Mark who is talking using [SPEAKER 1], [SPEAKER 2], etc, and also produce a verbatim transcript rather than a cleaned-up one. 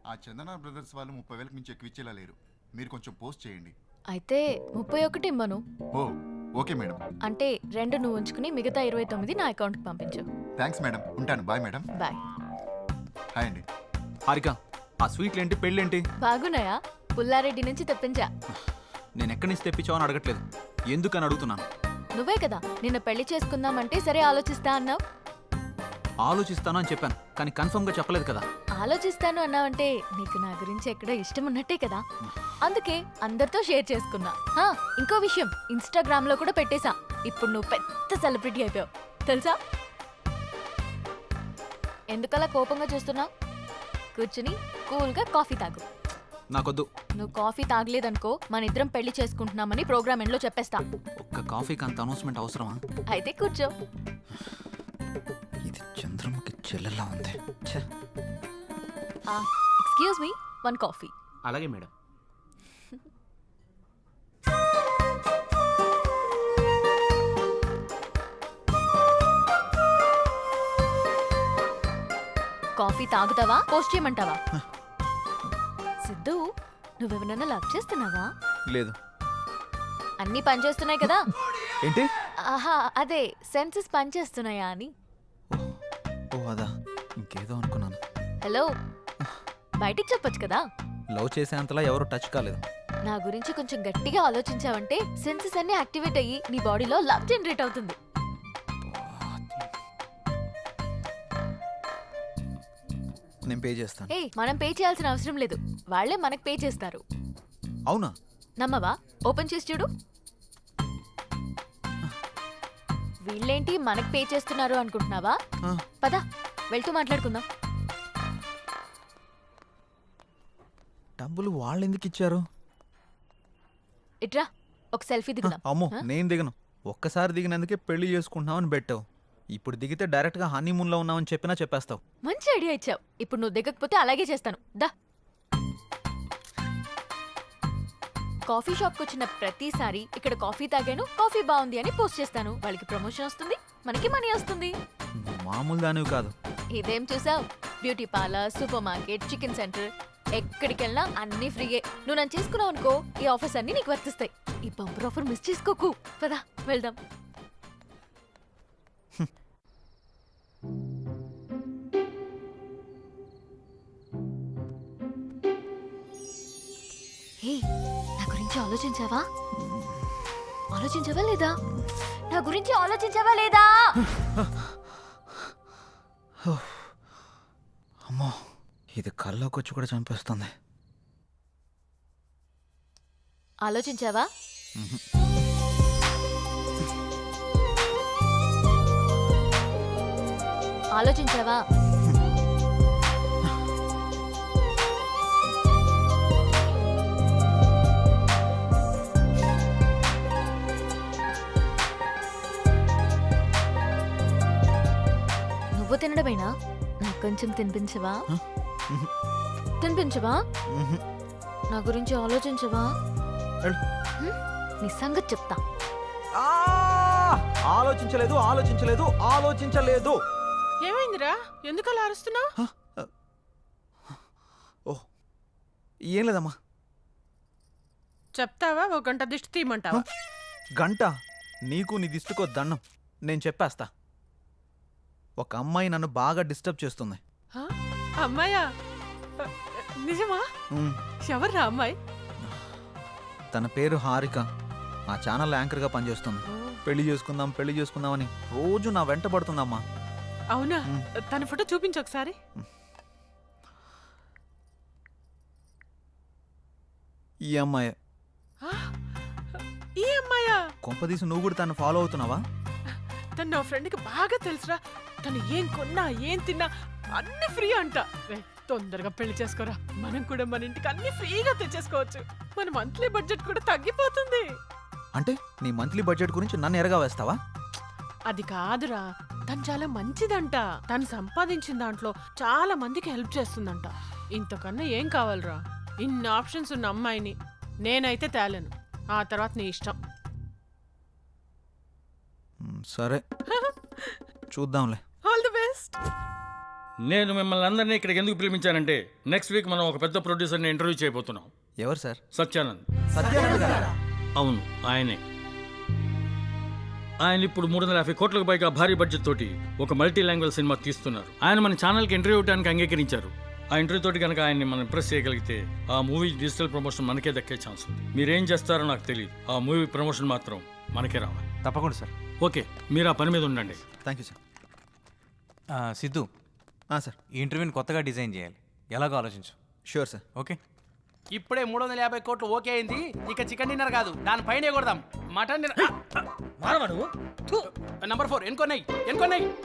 [SPEAKER 1] ఆ చందన బ్రదర్స్ వాళ్ళు ముప్పై వేలకు మించి ఎక్కువ ఇచ్చేలా లేరు. మీరు కొంచెం పోస్ట్ చేయండి.
[SPEAKER 2] అయితే ముప్పై ఒకటి ఇమ్మను.
[SPEAKER 1] ఓ ఓకే మేడం.
[SPEAKER 2] అంటే రెండు నువ్వు ఉంచుకుని మిగతా ఇరవై తొమ్మిది నా అకౌంట్కి పంపించు.
[SPEAKER 1] థ్యాంక్స్ మేడం, ఉంటాను. Bye madam.
[SPEAKER 2] బాయ్.
[SPEAKER 1] హాయ్ అండి.
[SPEAKER 3] హారిక, ఆ స్వీట్లేంటి, పెళ్ళేంటి?
[SPEAKER 2] బాగున్నాయా? పుల్లారెడ్డి నుంచి తెప్పించా.
[SPEAKER 3] నేను ఎక్కడి నుంచి తెప్పించావని అడగట్లేదు, ఎందుకని అడుగుతున్నాను.
[SPEAKER 2] నువ్వే కదా నిన్న పెళ్లి చేసుకుందామంటే సరే ఆలోచిస్తా అన్నావు.
[SPEAKER 3] ఆలోచిస్తాను అని చెప్పాను, కానీ కన్ఫర్మ్ గా చెప్పలేదు కదా.
[SPEAKER 2] ఆలోచిస్తాను అన్నావంటే నీకు నా గురించి ఎక్కడో ఇష్టం ఉన్నట్టే కదా, అందుకే అందరితో షేర్ చేసుకున్నా. హా, ఇంకో విషయం, ఇన్స్టాగ్రామ్ లో కూడా పెట్టేశా. ఇప్పుడు నువ్వు పెద్ద సెలబ్రిటీ అయిపోయావు తెలుసా. ఎందుకలా కోపంగా చూస్తున్నావు? కూర్చుని కూల్గా కాఫీ తాగు.
[SPEAKER 3] నాకొద్దు.
[SPEAKER 2] నువ్వు కాఫీ తాగలేదనుకో మన ఇద్దరం పెళ్లి చేసుకుంటున్నామని ప్రోగ్రామ్ ఎండ్లో చెప్పేస్తా.
[SPEAKER 3] ఒక్క కాఫీకి అంత అనౌన్స్మెంట్ అవసరమా?
[SPEAKER 2] అయితే కూర్చో.
[SPEAKER 3] ఇది చంద్రముఖి చెల్లెల్లా ఉంది.
[SPEAKER 2] Excuse me, one coffee.
[SPEAKER 4] అలాగే మేడం.
[SPEAKER 2] కాఫీ తాగుతావా పోస్ట్ చేయమంటావా? సిద్ధు, నువ్వెవరన్నా లవ్ చేస్తున్నావా?
[SPEAKER 3] లేదు.
[SPEAKER 2] అన్నీ పనిచేస్తున్నాయి కదా.
[SPEAKER 3] ఏంటి?
[SPEAKER 2] ఆహా, అదే సెన్సెస్ పనిచేస్తున్నాయా అని.
[SPEAKER 3] ఓ అదా, ఇంకేదో అనుకున్నాను.
[SPEAKER 2] హలో, బయటికి చెప్పొచ్చు కదా.
[SPEAKER 3] లవ్ చేసేంతలా ఎవరు టచ్ కాలేదు.
[SPEAKER 2] నా గురించి కొంచెం గట్టిగా ఆలోచించావంటే సెన్సెస్ అన్ని యాక్టివేట్ అయ్యి నీ బాడీలో లవ్ జనరేట్ అవుతుంది.
[SPEAKER 3] నేను పే చేస్తాను.
[SPEAKER 2] ఏ, మనం పే చేయాల్సిన అవసరం లేదు, వాళ్ళే మనకు పే చేస్తారు.
[SPEAKER 3] అవునా?
[SPEAKER 2] నమ్మవా? ఓపెన్ చేసి చూడు. వీళ్ళేంటి మనకు పే చేస్తున్నారు అనుకుంటున్నావా?
[SPEAKER 3] ఆ.
[SPEAKER 2] పద వెళ్తూ మాట్లాడుకుందాం.
[SPEAKER 3] డబ్బులు వాళ్ళు ఎందుకు ఇచ్చారు?
[SPEAKER 2] ఇట్రా, ఒక సెల్ఫీ దిగుదాం.
[SPEAKER 3] అమ్మో,
[SPEAKER 2] ఆ?
[SPEAKER 3] నేను దిగను. ఒక్కసారి దిగినందుకే పెళ్లి చేసుకుంటున్నావని పెట్టావు. ఇప్పుడు దిగితే డైరెక్ట్ గా హనీమూన్ లో ఉన్నావని చెప్పినా చెప్పేస్తావు.
[SPEAKER 2] మంచి ఐడియా ఇచ్చావు. ఇప్పుడు నువ్వు దిగకపోతే అలాగే చేస్తాను. దా. కాఫీ షాప్కి వచ్చిన ప్రతిసారి ఇక్కడ కాఫీ తాగాను, కాఫీ బాగుంది అని పోస్ట్ చేస్తాను. వాళ్ళకి ప్రమోషన్ వస్తుంది, మనకి మనీ వస్తుంది.
[SPEAKER 3] నువ్వు మామూలు దానివి కాదు.
[SPEAKER 2] ఇదేం చూసావు? Beauty parlour, supermarket, chicken centre, ఎక్కడికి వెళ్ళినా అన్ని ఫ్రీయే. నువ్వు నన్ను చేసుకున్నావు అనుకో, ఈ ఆఫర్స్ అన్ని నీకు వర్తిస్తాయి. ఈ బంపర్ ఆఫర్ మిస్ చేసుకోకు. పదా వెళ్దాం. హే, నా గురించి ఆలోచించావా? ఆలోచించావా లేదా? నా గురించి ఆలోచించావా లేదా?
[SPEAKER 3] అమ్మో, ఇది కల్లోకి వచ్చి కూడా చంపేస్తుంది.
[SPEAKER 2] ఆలోచించావా? ఆలోచించావా? నువ్వు తినడమేనా? నాకు కొంచెం తినిపించవా? తినిపించవా? నా గురించి ఆలోచించవా? నీ సంగతి చెప్తా.
[SPEAKER 3] ఆలోచించలేదు ఆలోచించలేదు ఆలోచించలేదు.
[SPEAKER 5] ఏమైందిరా? ఎందుకు అలా అరుస్తున్నావు?
[SPEAKER 3] ఓ ఏం లేదమ్మా.
[SPEAKER 5] చెప్తావా? ఒక గంట దిష్టి తీయమంటావా?
[SPEAKER 3] గంట? నీకు నీ దిష్టికో దండం. నేను చెప్పేస్తా. ఒక అమ్మాయి నన్ను బాగా డిస్టర్బ్ చేస్తుంది.
[SPEAKER 5] హా? అమ్మాయా? నిజమా?
[SPEAKER 3] ఉమ్,
[SPEAKER 5] ఎవర్రా అమ్మాయి?
[SPEAKER 3] తన పేరు హారిక. ఆ ఛానల్ యాంకర్గా పనిచేస్తుంది. పెళ్లి చేసుకుందాం పెళ్లి చేసుకుందామని రోజు నా వెంట పడుతుందమ్మా.
[SPEAKER 5] అవునా?
[SPEAKER 3] ఉమ్.
[SPEAKER 5] తన ఫోటో చూపించు ఒకసారి.
[SPEAKER 3] ఈ అమ్మాయి.
[SPEAKER 5] ఆ? ఈ అమ్మాయా?
[SPEAKER 3] కొంపదీసి నువ్వు కూడా తను ఫాలో అవుతున్నావా?
[SPEAKER 5] తను నా ఫ్రెండ్కి బాగా తెలుసురా. తను ఏం కొన్నా ఏం తిన్నా అన్ని ఫ్రీ అంట. రే, తొందరగా పెళ్లి చేసుకోరా. మనం కూడా మన ఇంటికి అన్ని ఫ్రీగా తెచ్చేసుకోవచ్చు. మన మంత్లీ బడ్జెట్ కూడా తగ్గిపోతుంది.
[SPEAKER 3] అంటే నీ మంత్లీ బడ్జెట్ గురించి నన్ను ఎరగా వేస్తావా?
[SPEAKER 5] అది కాదురా, తను చాలా మంచిదంట. తను సంపాదించిన దాంట్లో చాలా మందికి హెల్ప్ చేస్తుందంట. ఇంతకన్నా ఏం కావాలరా? ఇన్ని ఆప్షన్స్ ఉన్న అమ్మాయిని నేనైతే తేలేను. ఆ తర్వాత నీ ఇష్టం.
[SPEAKER 3] మ్, సరే చూద్దాంలే.
[SPEAKER 5] All the best.
[SPEAKER 4] నేను మిమ్మల్ని అందరినీ ఇక్కడికి ఎందుకు పిలిపించానంటే నెక్స్ట్ వీక్ మనం ఒక పెద్ద ప్రొడ్యూసర్ని ఇంటర్వ్యూ చేయబోతున్నాం.
[SPEAKER 3] ఎవరు సార్?
[SPEAKER 4] సత్యానంద్.
[SPEAKER 3] సత్యానంద్ గారా?
[SPEAKER 4] అవును, ఆయనే. ఆయన ఇప్పుడు మూడు వందల యాభై కోట్లకు పైగా భారీ బడ్జెట్ తోటి ఒక మల్టీ లాంగ్వేజ్ సినిమా తీస్తున్నారు. ఆయన మన ఛానల్కి ఇంటర్వ్యూ ఇవ్వడానికి అంగీకరించారు. ఆ ఇంటర్వ్యూ తోటి కనుక ఆయన్ని మనం ఇంప్రెస్ చేయగలిగితే ఆ మూవీ డిజిటల్ ప్రమోషన్ మనకే దక్కే ఛాన్స్ ఉంది. మీరేం చేస్తారో నాకు తెలియదు, ఆ మూవీ ప్రమోషన్ మాత్రం మనకే రావాలి.
[SPEAKER 6] తప్పకుండా సార్.
[SPEAKER 4] ఓకే, మీరు ఆ పని మీద ఉండండి.
[SPEAKER 3] Thank you sir.
[SPEAKER 6] ఆ, సిద్ధు,
[SPEAKER 3] సార్
[SPEAKER 6] ఈ ఇంటర్వ్యూని కొత్తగా డిజైన్ చేయాలి. ఎలాగో ఆలోచించు.
[SPEAKER 3] Sure sir.
[SPEAKER 6] ఓకే.
[SPEAKER 7] ఇప్పుడే మూడు వందల యాభై కోట్లు ఓకే అయింది. ఇక చికెన్ డిన్నర్ కాదు, దానిపైన కొడదాం మటన్ డిన్నర్. నంబర్ ఫోర్ ఎన్కొన్నాయి ఎన్కొన్నాయి